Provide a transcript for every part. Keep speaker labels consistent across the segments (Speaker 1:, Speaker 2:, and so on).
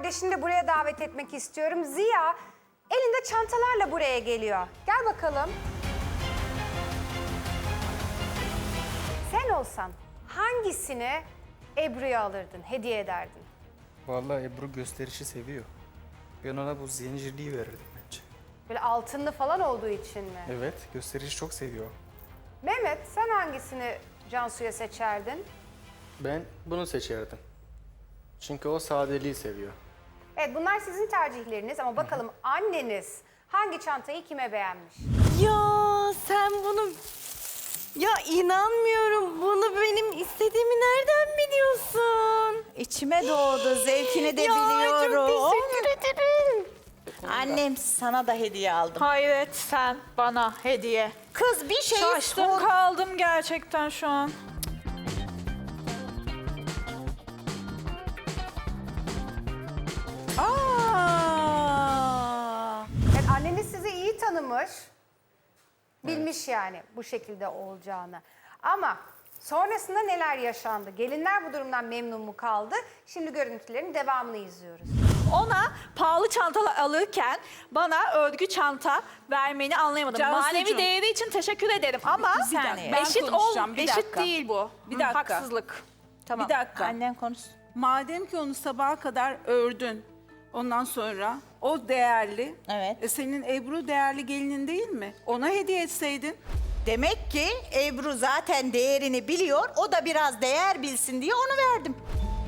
Speaker 1: kardeşini de buraya davet etmek istiyorum. Ziya elinde çantalarla buraya geliyor. Gel bakalım. Sen olsan hangisini Ebru'ya alırdın, hediye ederdin?
Speaker 2: Vallahi Ebru gösterişi seviyor. Ben ona bu zincirliği verirdim bence.
Speaker 1: Böyle altınlı falan olduğu için mi?
Speaker 2: Evet, gösterişi çok seviyor.
Speaker 1: Mehmet, sen hangisini Cansu'ya seçerdin?
Speaker 2: Ben bunu seçerdim. Çünkü o sadeliği seviyor.
Speaker 1: Evet, bunlar sizin tercihleriniz ama bakalım anneniz hangi çantayı kime beğenmiş?
Speaker 3: Ya sen bunu... Ya inanmıyorum. Bunu benim istediğimi nereden biliyorsun?
Speaker 4: İçime doğdu, zevkini de
Speaker 3: Ya
Speaker 4: biliyorum.
Speaker 3: çok teşekkür ederim.
Speaker 4: Annem sana da hediye aldım.
Speaker 5: Hayret sen bana hediye.
Speaker 4: Kız bir şey
Speaker 5: Şaştım
Speaker 4: sor.
Speaker 5: kaldım gerçekten şu an.
Speaker 4: Aa!
Speaker 1: Yani anneniz sizi iyi tanımış, bilmiş yani bu şekilde olacağını. Ama sonrasında neler yaşandı? Gelinler bu durumdan memnun mu kaldı? Şimdi görüntülerin devamını izliyoruz.
Speaker 5: Ona pahalı çantalar alırken bana örgü çanta vermeni anlayamadım.
Speaker 3: Cansucuğum.
Speaker 5: Manevi değeri için teşekkür ederim ama
Speaker 4: Bir saniye.
Speaker 3: Ben
Speaker 5: eşit
Speaker 3: konuşacağım, bir
Speaker 5: eşit
Speaker 3: dakika.
Speaker 5: değil bu.
Speaker 3: Bir dakika.
Speaker 5: Haksızlık.
Speaker 4: Tamam.
Speaker 3: Bir dakika.
Speaker 4: Annen konuş.
Speaker 6: Madem ki onu sabaha kadar ördün, ondan sonra o değerli.
Speaker 4: Evet.
Speaker 6: Senin Ebru değerli gelinin değil mi? Ona hediye etseydin.
Speaker 4: Demek ki Ebru zaten değerini biliyor. O da biraz değer bilsin diye onu verdim.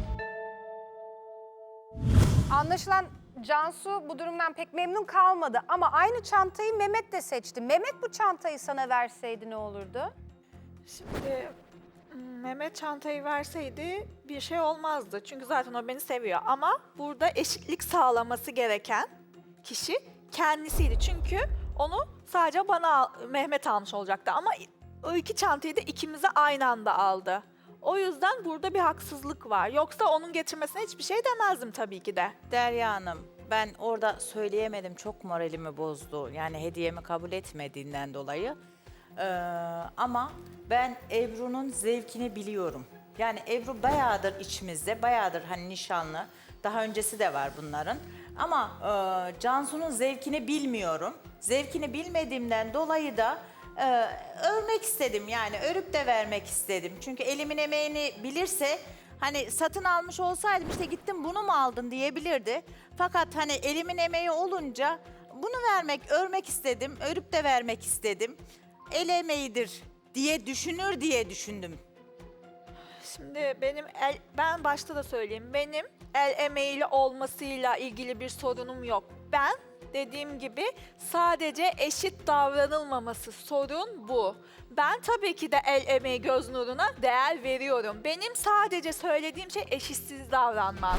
Speaker 1: Anlaşılan Cansu bu durumdan pek memnun kalmadı ama aynı çantayı Mehmet de seçti. Mehmet bu çantayı sana verseydi ne olurdu?
Speaker 5: Şimdi Mehmet çantayı verseydi bir şey olmazdı. Çünkü zaten o beni seviyor. Ama burada eşitlik sağlaması gereken kişi kendisiydi. Çünkü onu sadece bana Mehmet almış olacaktı. Ama o iki çantayı da ikimize aynı anda aldı. O yüzden burada bir haksızlık var. Yoksa onun getirmesine hiçbir şey demezdim tabii ki de.
Speaker 4: Derya Hanım, ben orada söyleyemedim. Çok moralimi bozdu. Yani hediyemi kabul etmediğinden dolayı. Ama ben Ebru'nun zevkini biliyorum. Yani Ebru bayağıdır içimizde, bayağıdır hani nişanlı. Daha öncesi de var bunların. Ama Cansu'nun zevkini bilmiyorum. Zevkini bilmediğimden dolayı da örmek istedim. Yani örüp de vermek istedim. Çünkü elimin emeğini bilirse hani satın almış olsaydım işte gittim bunu mu aldın diyebilirdi. Fakat hani elimin emeği olunca bunu vermek, örmek istedim. Örüp de vermek istedim. El emeğidir diye düşünür diye düşündüm.
Speaker 5: Şimdi ben başta da söyleyeyim. Benim el emeğiyle olmasıyla ilgili bir sorunum yok. Ben dediğim gibi sadece eşit davranılmaması sorun bu. Ben tabii ki de el emeği göz nuruna değer veriyorum. Benim sadece söylediğim şey eşitsiz davranmak.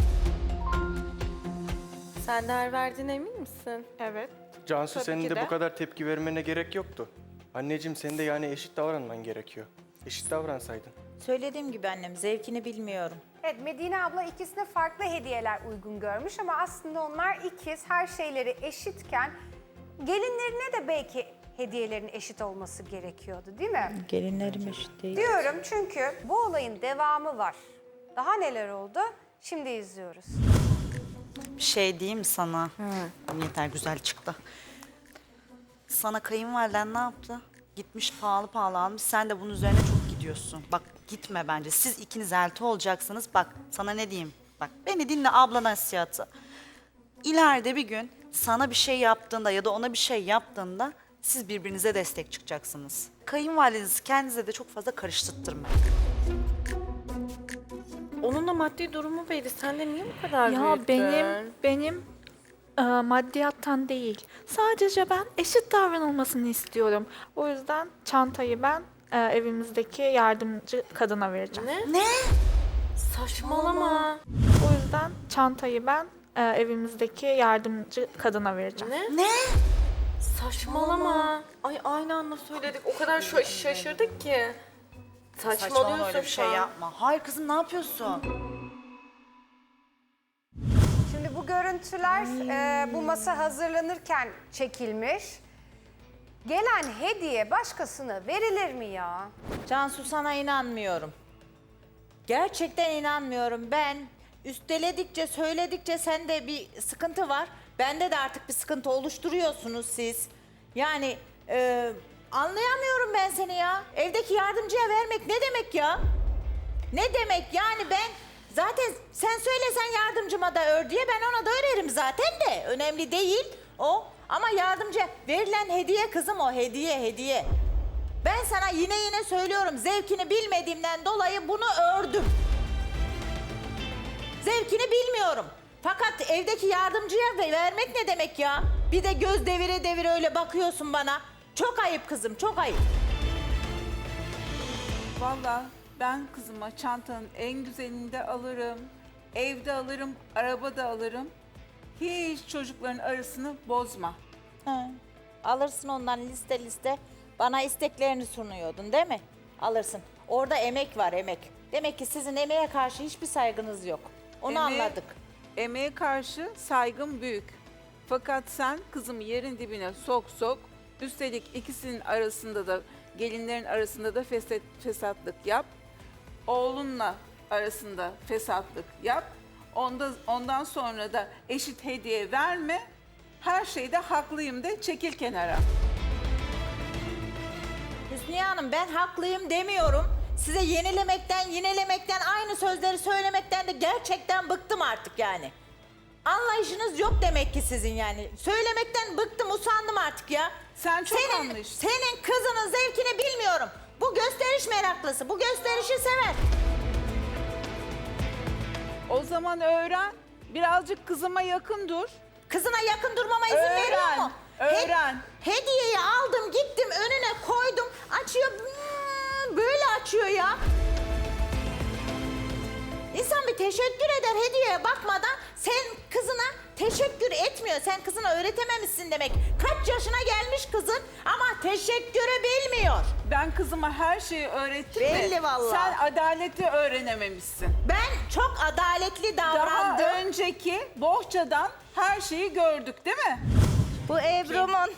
Speaker 3: Sen değer verdiğine emin misin?
Speaker 5: Evet.
Speaker 2: Cansu
Speaker 5: Tabii
Speaker 2: senin
Speaker 5: ki
Speaker 2: de
Speaker 5: de.
Speaker 2: bu kadar tepki vermene gerek yoktu. Anneciğim senin de yani eşit davranman gerekiyor. Eşit davransaydın.
Speaker 4: Söylediğim gibi annem zevkini bilmiyorum.
Speaker 1: Evet, Medine abla ikisine farklı hediyeler uygun görmüş ama aslında onlar ikiz, her şeyleri eşitken gelinlerine de belki hediyelerin eşit olması gerekiyordu değil mi?
Speaker 4: Gelinlerim eşit değil.
Speaker 1: Diyorum çünkü bu olayın devamı var. Daha neler oldu? Şimdi izliyoruz.
Speaker 7: Bir şey diyeyim mi sana? Yeter güzel çıktı. Sana kayınvaliden ne yaptı? Gitmiş pahalı pahalı almış. Sen de bunun üzerine çok gidiyorsun. Bak gitme bence. Siz ikiniz elti olacaksınız. Bak sana ne diyeyim? Bak beni dinle abla nasihatı. İleride bir gün sana bir şey yaptığında ya da ona bir şey yaptığında siz birbirinize destek çıkacaksınız. Kayınvalidenizi kendinize de çok fazla karıştırtmayın.
Speaker 3: Onun da maddi durumu belli. Sen de niye bu kadar
Speaker 5: Ya
Speaker 3: büyüttün?
Speaker 5: benim maddiyattan değil. Sadece ben eşit davranılmasını istiyorum. O yüzden çantayı ben evimizdeki yardımcı kadına vereceğim.
Speaker 3: Ne? Saçmalama.
Speaker 5: O yüzden çantayı ben evimizdeki yardımcı kadına vereceğim.
Speaker 3: Ne? Saçmalama. Ay aynı anda söyledik. O kadar şaşırdık ki.
Speaker 7: Saçmalama
Speaker 3: Saçmalıyorsun
Speaker 7: öyle bir şey
Speaker 3: şu an.
Speaker 7: yapma. Hayır kızım ne yapıyorsun?
Speaker 1: Şimdi bu görüntüler bu masa hazırlanırken çekilmiş. Gelen hediye başkasına verilir mi ya?
Speaker 4: Cansu sana inanmıyorum. Gerçekten inanmıyorum. Ben üsteledikçe, söyledikçe sende bir sıkıntı var. Bende de artık bir sıkıntı oluşturuyorsunuz siz. Yani anlayamıyorum ben seni ya. Evdeki yardımcıya vermek ne demek ya? Ne demek yani ben zaten sen söylesen yardımcıma da ör diye ben ona da örerim zaten de. Önemli değil o. Ama yardımcı verilen hediye kızım o hediye. Ben sana yine söylüyorum zevkini bilmediğimden dolayı bunu ördüm. Zevkini bilmiyorum. Fakat evdeki yardımcıya vermek ne demek ya? Bir de göz devire öyle bakıyorsun bana. Çok ayıp kızım, çok ayıp.
Speaker 6: Vallahi ben kızıma çantanın en güzelini de alırım. Evde alırım, arabada alırım. Hiç çocukların arasını bozma.
Speaker 4: Ha, alırsın ondan liste. Bana isteklerini sunuyordun değil mi? Alırsın. Orada emek var emek. Demek ki sizin emeğe karşı hiçbir saygınız yok. Onu anladık.
Speaker 6: Emeğe karşı saygım büyük. Fakat sen kızımı yerin dibine sok. Üstelik ikisinin arasında da gelinlerin arasında da fesatlık yap. Oğlunla arasında fesatlık yap. Ondan sonra da eşit hediye verme. Her şeyde haklıyım de çekil kenara.
Speaker 4: Hüsniye Hanım ben haklıyım demiyorum. Size yenilemekten aynı sözleri söylemekten de gerçekten bıktım artık yani. Anlayışınız yok demek ki sizin yani. Söylemekten bıktım, usandım artık ya.
Speaker 6: Sen çok anlayışlısın.
Speaker 4: Senin kızının zevkini bilmiyorum. Bu gösteriş meraklısı, bu gösterişi sever.
Speaker 6: O zaman öğren. Birazcık kızıma yakın dur.
Speaker 4: Kızına yakın durmama izin
Speaker 6: Öğren,
Speaker 4: veriyor mu?
Speaker 6: öğren.
Speaker 4: Hediyeyi aldım, gittim önüne koydum. Açıyor, böyle açıyor ya. İnsan bir teşekkür eder hediyeye bakmadan. Sen kızına teşekkür etmiyor. Sen kızına öğretememişsin demek. Kaç yaşına gelmiş kızın ama teşekkürü bilmiyor.
Speaker 6: Ben kızıma her şeyi öğrettim
Speaker 4: Belli
Speaker 6: de
Speaker 4: vallahi.
Speaker 6: sen adaleti öğrenememişsin.
Speaker 4: Ben çok adaletli davrandım.
Speaker 6: Daha önceki bohçadan her şeyi gördük değil mi?
Speaker 4: Bu Ebru'mun.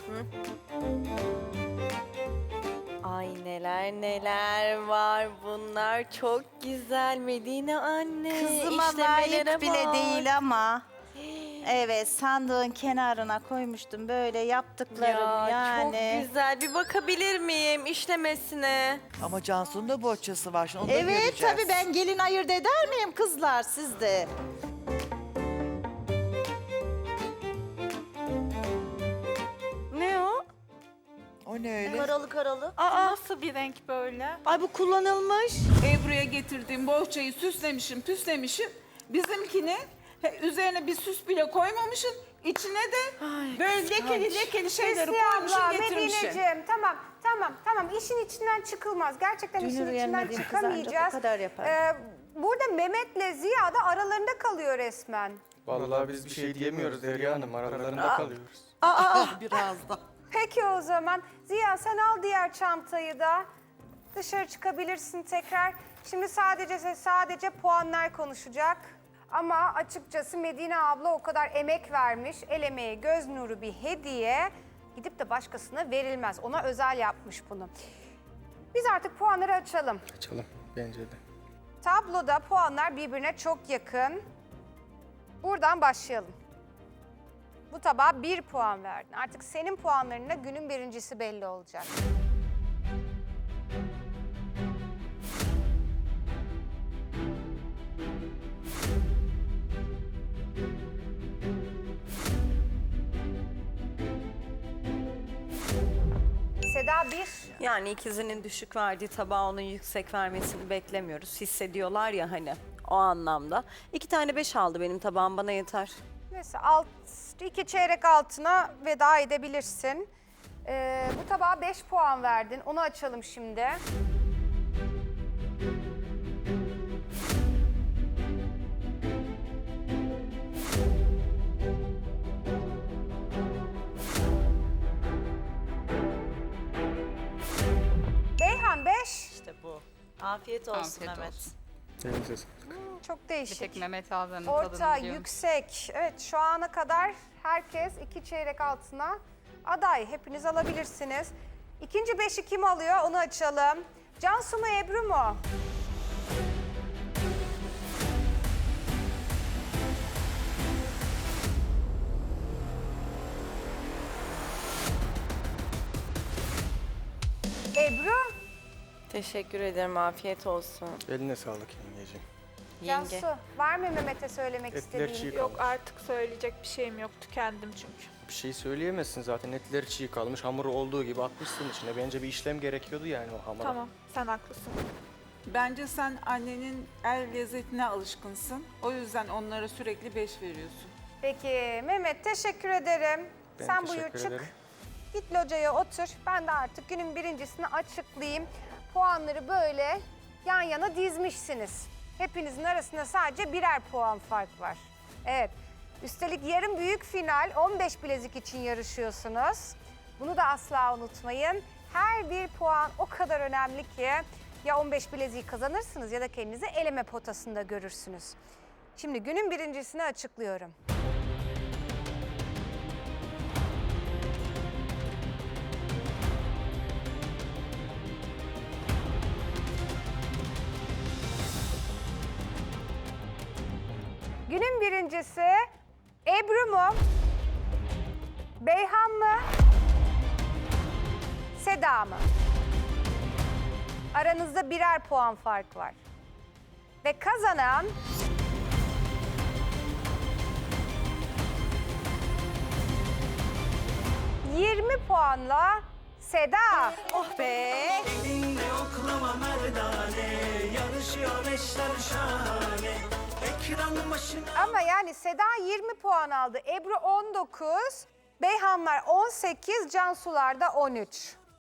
Speaker 3: Ay neler var bunlar çok güzel Medine anne.
Speaker 4: Kızıma
Speaker 3: İşlemelere
Speaker 4: layık bile
Speaker 3: bak.
Speaker 4: değil ama. Evet sandığın kenarına koymuştum böyle yaptıklarım yani.
Speaker 3: Çok güzel bir bakabilir miyim işlemesine?
Speaker 8: Ama Cansu'nun da bohçası var. Şimdi onu da
Speaker 4: Evet
Speaker 8: göreceğiz.
Speaker 4: tabii ben gelin ayırt eder miyim kızlar siz de?
Speaker 3: Ne o?
Speaker 8: O ne öyle?
Speaker 4: Karalı.
Speaker 5: Nasıl bir renk böyle?
Speaker 3: Ay bu kullanılmış.
Speaker 6: Ebru'ya getirdiğim bohçayı süslemişim, püslemişim. Bizimkini üzerine bir süs bile koymamışım. İçine de böyle lekeli şeyleri
Speaker 1: Hüsniye
Speaker 6: koymuşum,
Speaker 1: abla,
Speaker 6: getirmişim.
Speaker 1: Medineciğim tamam. İşin içinden çıkılmaz. Gerçekten işin
Speaker 4: Dünür
Speaker 1: içinden
Speaker 4: yenmediğin kız ancak
Speaker 1: çıkamayacağız.
Speaker 4: o kadar yapar.
Speaker 1: Burada Mehmet'le Ziya da aralarında kalıyor resmen.
Speaker 2: Vallahi biz bir şey diyemiyoruz Derya Hanım. Aralarında kalıyoruz.
Speaker 8: Biraz da.
Speaker 1: Peki o zaman Ziya sen al diğer çantayı da. Dışarı çıkabilirsin tekrar. Şimdi sadece puanlar konuşacak. Ama açıkçası Medine abla o kadar emek vermiş. El emeği, göz nuru bir hediye. Gidip de başkasına verilmez. Ona özel yapmış bunu. Biz artık puanları açalım.
Speaker 2: Açalım bence de.
Speaker 1: Tabloda puanlar birbirine çok yakın. Buradan başlayalım. Bu tabağa 1 puan verdin. Artık senin puanlarınla günün birincisi belli olacak. Seda 1.
Speaker 3: Yani ikizinin düşük verdiği tabağa onun yüksek vermesini beklemiyoruz. Hissediyorlar ya hani o anlamda. 2 tane 5 aldı benim tabağım bana yeter.
Speaker 1: Neyse 2 çeyrek altına veda edebilirsin. Bu tabağa 5 puan verdin. Onu açalım şimdi. Beyhan 5.
Speaker 7: İşte bu. Afiyet olsun Mehmet.
Speaker 2: Elinize sağlık.
Speaker 1: Çok değişik.
Speaker 9: Tek Mehmet ablanın
Speaker 1: Orta,
Speaker 9: tadını biliyorum.
Speaker 1: yüksek. Evet şu ana kadar herkes 2 çeyrek altına aday. Hepiniz alabilirsiniz. İkinci 5'i kim alıyor onu açalım. Cansu mu Ebru mu? Ebru,
Speaker 3: Teşekkür ederim. Afiyet olsun.
Speaker 2: Eline sağlık yengeciğim.
Speaker 3: Yenge.
Speaker 1: Cansu var mı Mehmet'e söylemek
Speaker 2: Etler çiğ
Speaker 1: istediğin?
Speaker 2: kalmış.
Speaker 5: Yok artık söyleyecek bir şeyim yok. Tükendim çünkü.
Speaker 2: Bir şey söyleyemezsin zaten. Etleri çiğ kalmış. Hamuru olduğu gibi atmışsın içine. Bence bir işlem gerekiyordu yani o hamura.
Speaker 5: Tamam, sen haklısın.
Speaker 6: Bence sen annenin el lezzetine alışkınsın. O yüzden onlara sürekli 5 veriyorsun.
Speaker 1: Peki Mehmet teşekkür ederim.
Speaker 2: Ben
Speaker 1: Sen buyur
Speaker 2: teşekkür
Speaker 1: çık.
Speaker 2: ederim.
Speaker 1: Git locaya otur. Ben de artık günün birincisini açıklayayım. Puanları böyle yan yana dizmişsiniz. Hepinizin arasında sadece birer puan fark var. Evet. Üstelik yarın büyük final 15 bilezik için yarışıyorsunuz. Bunu da asla unutmayın. Her bir puan o kadar önemli ki ya 15 bileziği kazanırsınız ya da kendinizi eleme potasında görürsünüz. Şimdi günün birincisini açıklıyorum. Günün birincisi Ebru mu? Beyhan mı? Seda mı? Aranızda birer puan fark var. Ve kazanan... ...20 puanla Seda.
Speaker 3: Oh be!
Speaker 9: Elinle oklama merdane, yarışıyor eşler şahane. Ekran başına...
Speaker 1: Ama yani Seda 20 puan aldı. Ebru 19, Beyhanlar 18, Cansular da 13.